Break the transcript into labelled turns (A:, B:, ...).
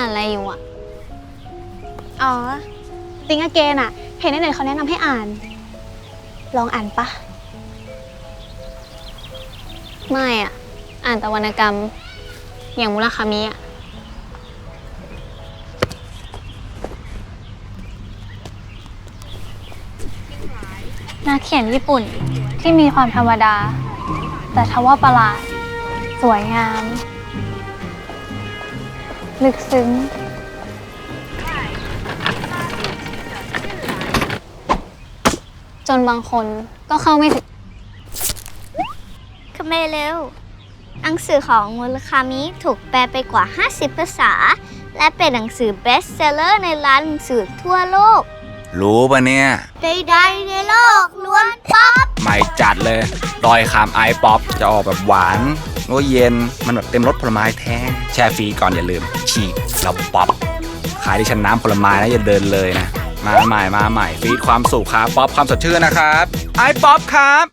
A: านอะไรอยู่อ่ะ
B: อ๋อติงอเกนอะเห็นในเน็ตเขาแนะนำให้อ่าน ลองอ่านปะ
A: ไม่อ่ะ อ่านแต่วรรณกรรม อย่างมุราคามิอ่ะ นักเขียนญี่ปุ่นที่มีความธรรมดา แต่ทว่าประหลาด สวยงาม ลึกซึ้ง จนบางคนก็เข้าไม่ถึง
C: คาเมเร็วหนังสือของมุราคามิถูกแปลไปกว่า 50 ภาษา และเป็นหนังสือเบสเซลเลอร์ในร้านหนังสือทั่วโลก
D: รู้ปะเนี่ย
C: ใดๆในโลกล้วนป๊อป
D: ไม่จัดเลยดอยคำไอป๊อปจะออกแบบหวานโอ้เย็นมันแบบเต็มรสผลไม้แท้แช่ฟรีก่อนอย่าลืมฉีกแล้วป๊อปขายที่ชั้นน้ำผลไม้นะอย่าเดินเลยนะมาใหม่ฟีดความสุขครับป๊อปความสดชื่นนะครับไอป๊อปครับ